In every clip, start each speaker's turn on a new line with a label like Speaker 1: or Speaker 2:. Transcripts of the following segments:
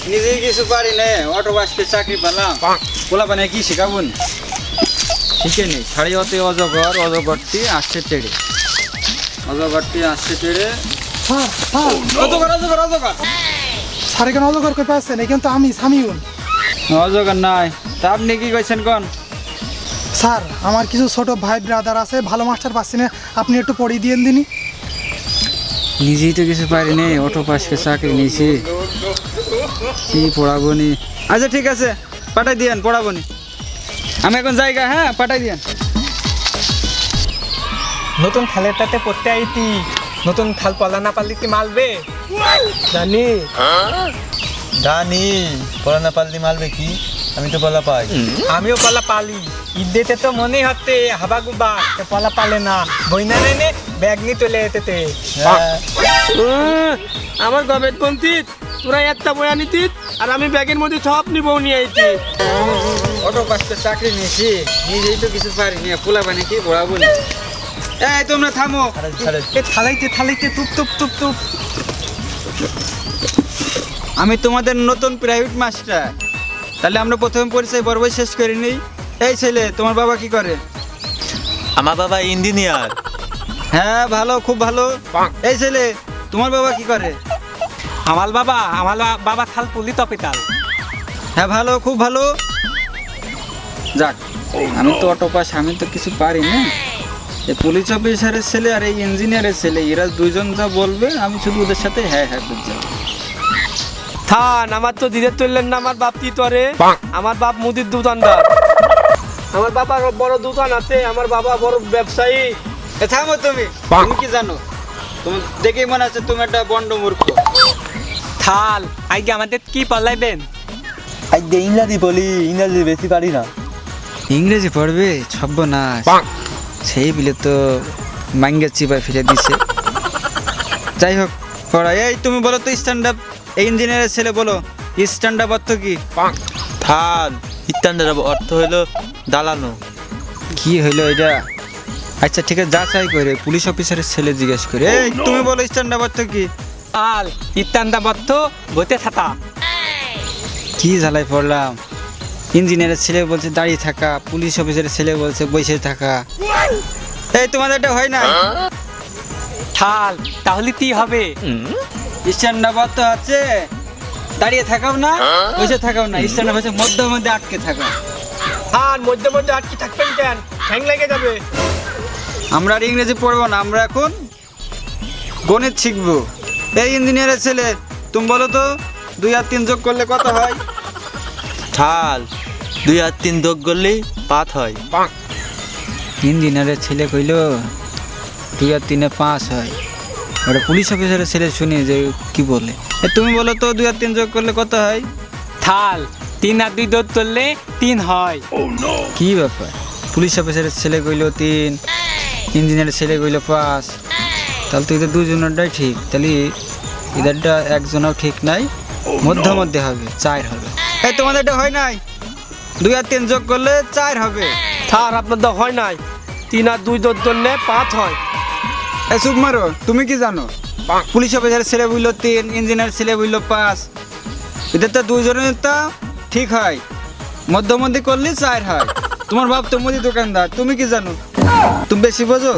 Speaker 1: নিজেই কিছু পারি না, অটো বাসকে চাকরি পেলাম, পোলা পানে কি শেখাবুন? শিখে নেই। সাড়ে অতে অজগর, অজগরটি আসছে তেড়ে, অজগরটি আসছে তেড়ে। অজগর অজগর অজগর
Speaker 2: স্যার এখানে অজগর কই পাচ্ছেন? এখানে তো আমি সামিউন।
Speaker 1: অজগর নাই। তা আপনি কি কইছেন কোন?
Speaker 2: স্যার আমার কিছু ছোট ভাই ব্রাদার আছে, ভালো মাস্টার পাচ্ছি না, আপনি একটু পড়িয়ে দিয়ে দিনই।
Speaker 1: নিজেই তো কিছু পারি নি, অটো পাসকে চাকরি নিয়েছি, কি পড়াবো নি। আচ্ছা ঠিক আছে, পাঠাই দিয়েন, পড়াবো নি আমি এখন জায়গা। হ্যাঁ পাঠাই দিয়েন।
Speaker 3: নতুন খালেরটাতে পড়তে আইতি, নতুন খাল পলা না পারলি কি মালবে? জানি
Speaker 4: জানি পড়া না পারলি মারবে কি? আমি তো পড়া পাই।
Speaker 3: আমিও পলা পালি, ঈদেতে তো মনেই হতে হাবা গুবা পলা পালে না, বইনা নেনে ব্যাগ নিয়ে চলে যেতে।
Speaker 5: আমার গবেট বঞ্চিত, তোরা একটা বই আনিতিস আর আমি ব্যাগের মধ্যে সব নিবো নিয়ে আইছি।
Speaker 1: অটো পাসকে চাকরি নিয়েছি, নিজেই তো কিছু পারি নি, পোলা পানি কি পড়াবো নি। এই তোমরা থামো।
Speaker 3: থালাইতে থালাইতে টুপ টুপ টুপ টুপ।
Speaker 1: আমি তোমাদের নতুন প্রাইভেট মাস্টার। তাহলে আমরা প্রথমে পরিচয় পর্ব শেষ করে নিই। এই ছেলে, তোমার বাবা কি করে?
Speaker 4: আমার বাবা ইঞ্জিনিয়ার।
Speaker 1: হ্যাঁ ভালো, খুব ভালো। এই ছেলে, তোমার বাবা কি করে?
Speaker 3: আমার বাবা খাল পুলি তপিতাল।
Speaker 1: হ্যাঁ ভালো, খুব ভালো। যাক, আমি তো অটো পাস, আমি তো কিছু পারি না। এই পুলিশ অফিসারের ছেলে আর এই ইঞ্জিনিয়ারের ছেলে, এরা দুইজন যা বলবে আমি শুধু ওদের সাথে হ্যাঁ হ্যাঁ করছি।
Speaker 5: থান, আমার তো ধীরে চললেন না, আমার বাপ কি করে? আমার বাপ মুদির দোকানদার। আমার বাবার বড় দোকান আছে, আমার বাবা বড় ব্যবসায়ী।
Speaker 1: থামো তুমি, তুমি কি জানো? তুমি দেখেই মনে আছে তুমি একটা বন্ড মূর্খ।
Speaker 3: থাল আইগে আমাদের কি পালাইবেন?
Speaker 4: আই দে ইংরাজি বলি, ইংরাজি বেশি পারি না।
Speaker 1: ইংরেজি পড়বে? ছব্ব না, সেই বিলে তো মাঙ্গের চিপায় ফিরে দিছে। যাই হোক, পড়া। এই তুমি বলো তো স্ট্যান্ড আপ, এই ইঞ্জিনিয়ারের ছেলে বলো স্ট্যান্ড আপ অর্থ কি?
Speaker 4: থান ইত্যান্ডার অর্থ হলো দালানো।
Speaker 1: কি হইলো এটা? আচ্ছা ঠিক আছে, যাচাই করে পুলিশ অফিসারের ছেলে জিজ্ঞেস করে। এই তুমি বলো স্ট্যান্ড আপ অর্থ কি?
Speaker 3: থাল ইত্যান্দা বদ্ধ বইতে থাকা।
Speaker 1: কি ঝালাই পড়লাম, ইঞ্জিনিয়ারের ছেলে বলছে দাঁড়িয়ে থাকা, পুলিশ অফিসারের ছেলে বলছে বসে থাকা। এই তোমাদের এটা হয় না?
Speaker 3: থাল তাহলে কি হবে?
Speaker 1: স্ট্যান্ড আপ অর্থ আছে দাঁড়িয়ে থাকাও না, বসে থাকাও না, স্ট্যান্ড আপ হচ্ছে মধ্যে মধ্যে আটকে থাকা।
Speaker 5: থান, মধ্যে মধ্যে আটকে থাকবেন কেন? ঠ্যাং লেগে যাবে।
Speaker 1: আমরা আর ইংরেজি পড়বো না, আমরা এখন গণিত শিখবো। এই ইঞ্জিনিয়ারের ছেলে, তুমি বলো তো 2 আর 3 যোগ করলে কত হয়?
Speaker 4: থাল 2 আর 3 যোগ করলেই 5 হয়।
Speaker 1: ইঞ্জিনিয়ারের ছেলে কইল 2 আর 3 5 হয়। ওটা পুলিশ অফিসারের ছেলে শুনি যে কি বলে। তুমি বলো তো 2 আর 3 যোগ করলে কত হয়?
Speaker 3: থাল 3 আর 2 যোগ করলে 3 হয়।
Speaker 1: কি ব্যাপার, পুলিশ অফিসারের ছেলে কইল 3, ইঞ্জিনিয়ারের ছেলে কইল 5, তাহলে তো এদের দুজনেরটাই ঠিক, তাহলে এদেরটা একজনও ঠিক নাই, মধ্যে মধ্যে হবে, 4 হবে। এই তোমাদের এটা হয় নাই? 2 আর 3 যোগ করলে 4 হবে।
Speaker 5: থান, আপনার তো হয় নাই। 3 আর 2 যোগ করলে 5 হয়।
Speaker 1: এই চুপ মারো, তুমি কি জানো? পুলিশ অফিসারের ছেলে বলল 3, ইঞ্জিনিয়ার ছেলে বলল 5, এদের তো দুজনের তো ঠিক হয়, মধ্যে করলে 4 হয়। তোমার বাপ তো মুদি দোকানদার, তুমি কি জানো? তুমি বেশি বোঝো।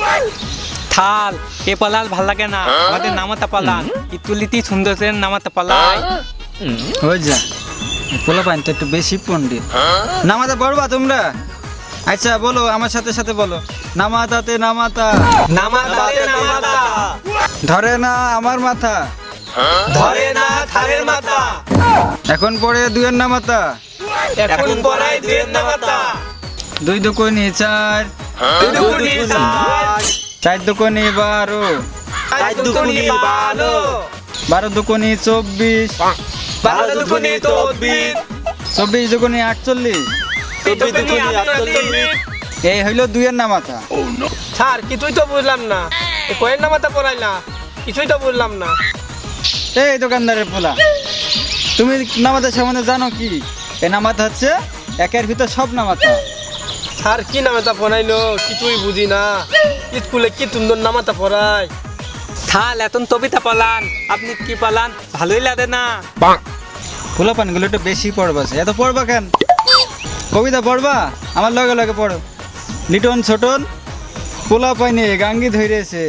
Speaker 3: থাল এ পালাল ভাল লাগে না, আমাদের নামাতা পালান ইতুলিতি সুন্দর নামাতা পালাই।
Speaker 1: হয়ে যা, পোলা পাইন তো একটু বেশি পণ্ডিত। নামাতা পড়বা তোমরা? আচ্ছা বলো আমার সাথে সাথে বলো, নামাতাতে নামাতা,
Speaker 3: নামাতাতে নামাতা,
Speaker 1: ধরে না আমার মাথা,
Speaker 3: ধরে না থারের মাথা,
Speaker 1: এখন পড়ে 2 এর নামাতা,
Speaker 3: এখন পড়াই দুয়ের নামাতা,
Speaker 1: 2 দুকোনি 4,
Speaker 3: 2 দুগুনি 4,
Speaker 1: 4 দুকোনি 12,
Speaker 3: 4 দুগুনি 12,
Speaker 1: 12 দুকোনি 24,
Speaker 3: 12 দুগুনি 24,
Speaker 1: 24 দুকোনি 48,
Speaker 3: 24 দুগুনি 48।
Speaker 1: এই হইলো 2 এর নামাতা।
Speaker 5: স্যার কিছুই তো বুঝলাম না, এ কয়ের নামাতে পড়াই না, কিছুই তো বুঝলাম না।
Speaker 1: এই দোকানদারের পোলা, তুমি নামাতা সম্বন্ধে জানো কি? এই নামাতা হচ্ছে একের ভিতর সব নামাতা।
Speaker 5: স্যার কি নামাতা পড়াইলো কিছুই বুঝি না, স্কুলে কি সুন্দর নামাতা পড়ায়।
Speaker 3: থাল এখন তবিতা পালান, আপনি কি পালান ভালোই লাগে না?
Speaker 1: পোলা পানগুলো একটু বেশি পড়বাছে, এত পড়বা কেন? কবিতা পড়বা? আমার লগে লগে পড়ো। লিটন ছোটন পোলা পাইনে গাঙ্গি ধরেছে,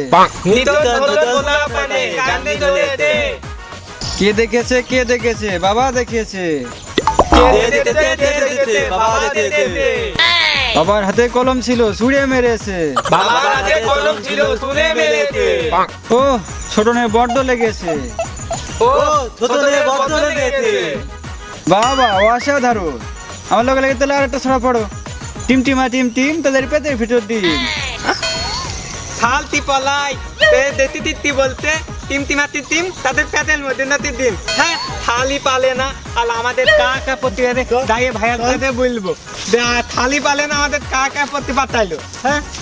Speaker 1: কে দেখেছে কে দেখেছে? বাবা দেখেছে। বাবার হাতে কলম ছিল ছুঁড়ে মেরেছে। ও ছোটনের বড্ড লেগেছে। বাবা অসাধারণ। আমার লগে লাগে তাহলে আর একটা ছড়া পড়ো। টিমটিমা টিম টিম তাদের পেটের ভিতর দিন।
Speaker 3: থালতি পলাই দেতি দিতি বলতে টিমটিমাতি টিম তাদের পেটের মধ্যে নাতি দিন। হ্যাঁ থালি পালে না আর আমাদের কাকা প্রতিবাদে দাঁড়িয়ে ভাইয়ার সাথে বলবো থালি পালে না আমাদের কাকা প্রতি পাঠাইলো। হ্যাঁ